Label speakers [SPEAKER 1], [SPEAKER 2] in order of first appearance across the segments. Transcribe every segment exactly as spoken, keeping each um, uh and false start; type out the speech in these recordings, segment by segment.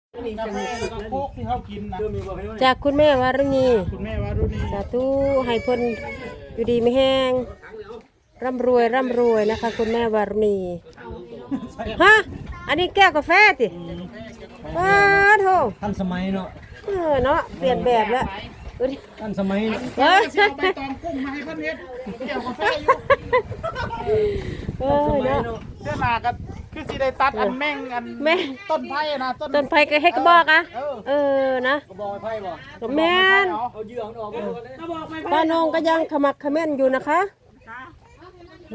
[SPEAKER 1] กาแฟแล้วก็โค้กที่เขากินนะ
[SPEAKER 2] จากคุณแม่วารุณี
[SPEAKER 1] คุณแม่วารุณี
[SPEAKER 2] สาธุให้เพิ่นอยู่ดีไม่แห้งร่ำรวยร่ำรวยนะคะ คุณแม่วารุณีฮะอันนี้แก้วกาแฟติว้าโถ
[SPEAKER 3] ทันสมัยเนาะ
[SPEAKER 2] เออเนาะเปลี่ยนแบบแล้ว
[SPEAKER 3] ทันสมัยเนาะ
[SPEAKER 2] เฮ้ย
[SPEAKER 1] จะเอาใบตองกุ้งมาให้เพื่อนเฮ็ดเกี่ยวกาแฟอยู่
[SPEAKER 2] เออเนาะ
[SPEAKER 1] เสื้อหนากันคือสิได้ตัดอันแม่งอัน
[SPEAKER 2] แม่
[SPEAKER 1] ต้นไผ่นะต้น
[SPEAKER 2] ต้นไผ่ก็ให้กระบอกอ่ะเออนะ
[SPEAKER 3] ก็บอกไพ่บ่
[SPEAKER 2] แม่น
[SPEAKER 3] เอาเหยื่อมันออกมาดูกันเลย
[SPEAKER 2] ป้านงก็ยังขมักเขม้นอยู่นะคะเอ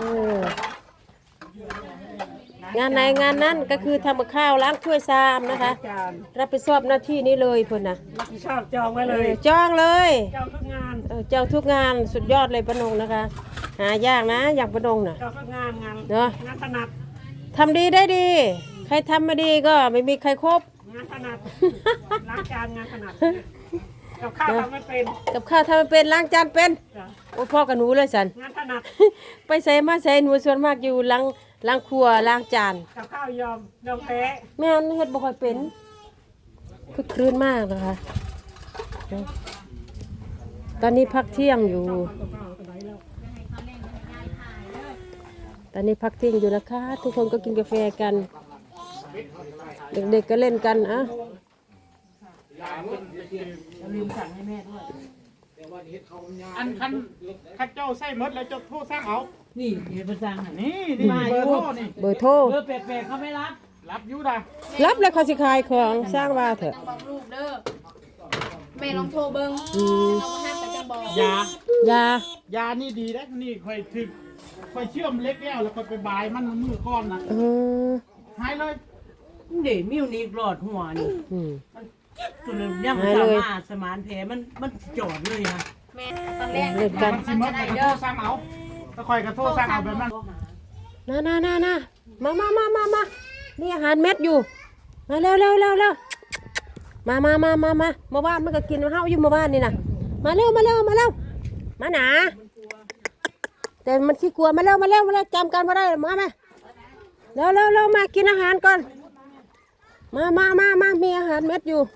[SPEAKER 2] องานไหนงานนั้นก็คือทำกับข้าวล้างถ้วยชามนะคะ รับผิดชอบหน้าที่นี้เลยพุ่นนะ
[SPEAKER 3] ชอบจองไว้เลย
[SPEAKER 2] จองเลย
[SPEAKER 3] จองทุกงาน
[SPEAKER 2] เออจองทุกงานสุดยอดเลยป้านงนะคะ หายากนะอย่างป้านงน่ะ
[SPEAKER 3] จองทุกงานงาน
[SPEAKER 2] เนาะ
[SPEAKER 3] งานถนัด
[SPEAKER 2] ทำดีได้ดี ใครทำไม่ดีก็ไม่มีใครครบ
[SPEAKER 3] งานถนัดล้างจานงานถนัดกับข้าวทำไม่เป็น
[SPEAKER 2] กับข้าวทำไม่เป็นล้างจานเป็น
[SPEAKER 3] จ้ะ
[SPEAKER 2] โอ้พ่อกับหนูเลยสัน
[SPEAKER 3] งานถนัด
[SPEAKER 2] ไปใส่มาใส่หนูส่วนมากอยู่ล้างล้างครัวล้างจาน
[SPEAKER 3] กับข้าวยอมยอมแพ้
[SPEAKER 2] แม่นเฮ็ดบ่ค่อยเป็นคือคลื่นมากนะคะ ตอนนี้พักเที่ยงอยู่ ตอนนี้พักเที่ยงอยู่นะคะ ทุกคนก็กินกาแฟกัน เด็กๆก็เล่นกันอ่ะ
[SPEAKER 3] ลืมสั่งให้แม่ด้วย
[SPEAKER 1] อันคันคันเจ้าใส่หมดแล้วเจ้าโทษสร้างเอา
[SPEAKER 3] นี่เดี๋ยวไปสั่งให้
[SPEAKER 1] นี่นี่เบอร์โทรนี่
[SPEAKER 2] เบอร์โทร
[SPEAKER 3] เบอร์แปลกๆเขาไม่รับ
[SPEAKER 1] รับอยู่ดะ
[SPEAKER 2] รับแล้วเขาสิขายของสร้างว่าเถอะ
[SPEAKER 4] บอกลูกเด้อแม่ลองโทรเบิ้ง
[SPEAKER 2] อืม
[SPEAKER 4] เราห้ามไปจังบอก
[SPEAKER 1] ยาย
[SPEAKER 2] า
[SPEAKER 1] ยานี่ดีนะนี่ค่อยถึกค่อยเชื่อมเล็กแล้วแล้วค่อยไปบายมันมือก้อนนะ
[SPEAKER 2] เออ
[SPEAKER 1] หายเลย
[SPEAKER 3] เดี๋ยวมิวนิกหลอดหัวนี่
[SPEAKER 2] อืม
[SPEAKER 3] ตัวเรื่องยังสามารถสมานแผลมันมันจอดเลยฮะ
[SPEAKER 4] แม่ตอนแรก
[SPEAKER 2] เล่นกัน
[SPEAKER 1] มันสิหมดแล้วก็โทษสร้างเอาถ้าค่อยก็โทษสร้างเอาแบบนั้น
[SPEAKER 2] น่าน่าน่าน่ามามามามามานี่อาหารเม็ดอยู่ มาเร็วเร็วเร็วเร็วมามามามามามาบ้านมันก็กินเฮาอยู่มาบ้านนี่นะมาเร็วมาเร็วมาเร็วมาหนาแต่มันขี้กลัวมาเร็วมาเร็วมาเร็วจำกันมาได้มาไหมเร็วเร็วเร็วมากินอาหารก่อนมามามามามีอาหารเม็ดอยู่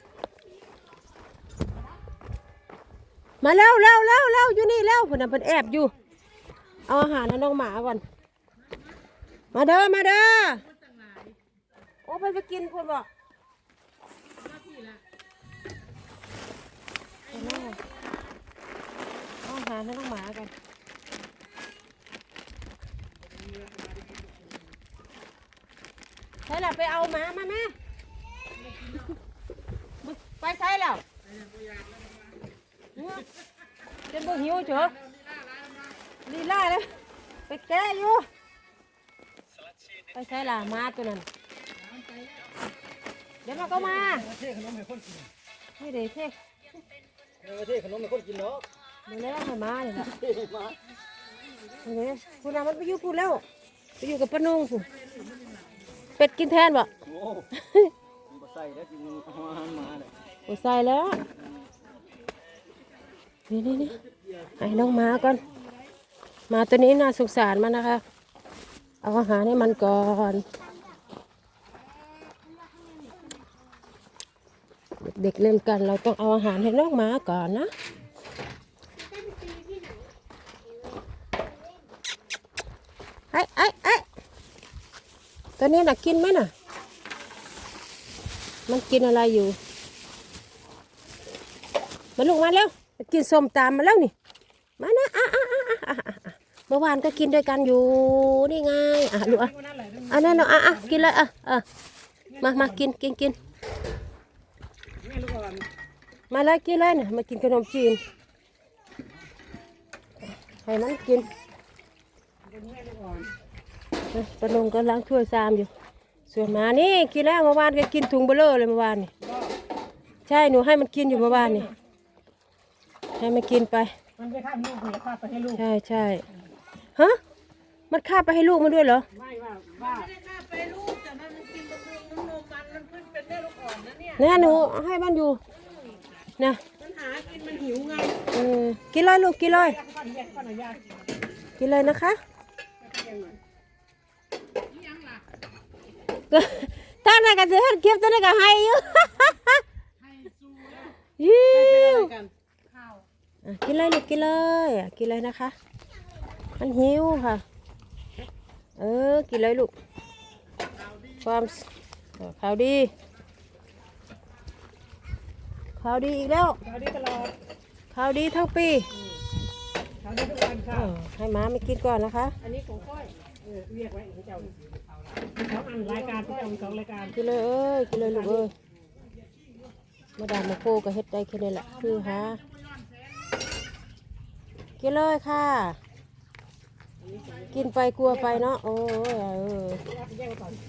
[SPEAKER 2] มาเร็วเร็วเร็วเร็วอยู่นี่เร็วเพิ่นน่ะเพิ่นแอบอยู่เอาอาหารให้น้องหมาก่อนมาเด้อมาเด้อโอ้ไปไปกินคนบอกเอาอาหารให้น้องหมากันใช่แล้วไปเอาหมามาแม่ไปใช่แล้วเจะบ่หิวเฉอลีลาเลยไปแกะอยู่ไปใช่ล่ะมาตัวนั้นเดี๋ยวมาก็มา
[SPEAKER 3] เท่ขนมให้คนกิน
[SPEAKER 2] ให้เด็กเท่
[SPEAKER 3] เท่ขนมให้คนกินเนาะ
[SPEAKER 2] มาแล้วให้มาเลยนะ
[SPEAKER 3] เท่มา
[SPEAKER 2] เห็นไหมคุณอามันไปอยู่พูดแล้วไปอยู่กับป้านุ่งพูเป็ดกินแทนบ่
[SPEAKER 3] โอ้บ่ใส่แล้วกินอาหารมาเลย
[SPEAKER 2] โอ้ใส่แล้วนี่นี่นี่ให้น้องหมาก่อนหมาตัวนี้น่าสงสารมันนะคะเอาอาหารให้มันก่อนเด็กๆเล่นกันเราต้องเอาอาหารให้น้องหมาก่อนนะไอ้ไอ้ไอ้ตัวนี้น่ะกินไหมน่ะมันกินอะไรอยู่มาลูกมาแล้วกินส้มตำมาแล้วนี่มานะอ่ะอ่ะอ่ะอ่ะอ่ะอ่ะเมื่อวานก็กินด้วยกันอยู่นี่ไงอ่ะลูกอ่ะอันนั้นเนาะอ่ะอ่ะกินเลยอ่ะอ่ะมามากินกินกินมาเลยกินเลยเนี่ยมากินขนมจีนให้มันกินปนงก็ล้างถ้วยซามอยู่ส่วนหมานี่กินแล้วเมื่อวานก็กินถุงเบลอเลยเมื่อวานนี่ใช่หนูให้มันกินอยู่เมื่อวานนี่ให้มันกินไป
[SPEAKER 3] มันไปข้ามลูกหรือข้ามไปให้ลูก
[SPEAKER 2] ใช่ใช่ฮะมันคาบไปให้ลูกมันด้วยเหรอ
[SPEAKER 3] ไม่ว่าว่า
[SPEAKER 2] แน่หนูให้มันอยู่นะ
[SPEAKER 3] มันหากินมันหิวไง
[SPEAKER 2] เออกินเลยลูกกินเลย
[SPEAKER 3] ก้อนแยกก้อนหน่อยยาก
[SPEAKER 2] กินเลยนะคะตถ้าไหนกันจะเฮ็ดคลิปตัวนี้ก็ให้อยู่
[SPEAKER 1] ให้สู้แล้ว
[SPEAKER 2] ยิ้ว
[SPEAKER 3] กัน
[SPEAKER 4] ข้าว
[SPEAKER 2] อ่ะกินเลยลูกกินเลยอ่ะกินเลยนะคะ มันหิวค่ะ เออกินเลยลูกความเออข่าวดีข่าวดีอีกแล้ว
[SPEAKER 3] ข่าวดีตลอด
[SPEAKER 2] ข่าวดีทั้งปี
[SPEAKER 3] ข่าวดีทุกวัน
[SPEAKER 2] เอ
[SPEAKER 3] ค่ะ
[SPEAKER 2] อให้หม้าไม่กินก่อนนะคะ
[SPEAKER 3] อันนี้ของค่อยเออเรียกไว้ของเจ้าสองอันรายการที่เจ้าสองรายการ
[SPEAKER 2] กินเลยเอ้ยกินเลยลูกเอ้ยมาดามมาโคก็เฮ็ดได้แค่นี้แหละคือหากินเลยค่ะ กินไปกลัวไปเนาะโอ้ยเออ
[SPEAKER 3] แยกก่อน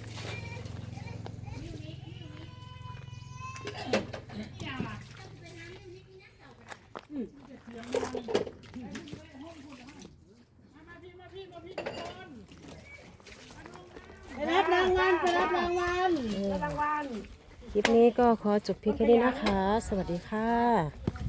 [SPEAKER 1] ไปรับรางวัลไปรับรางวัล
[SPEAKER 3] รางวัล
[SPEAKER 2] คลิปนี้ก็ขอจบเพียงแค่นี้นะคะ สวัสดีค่ะ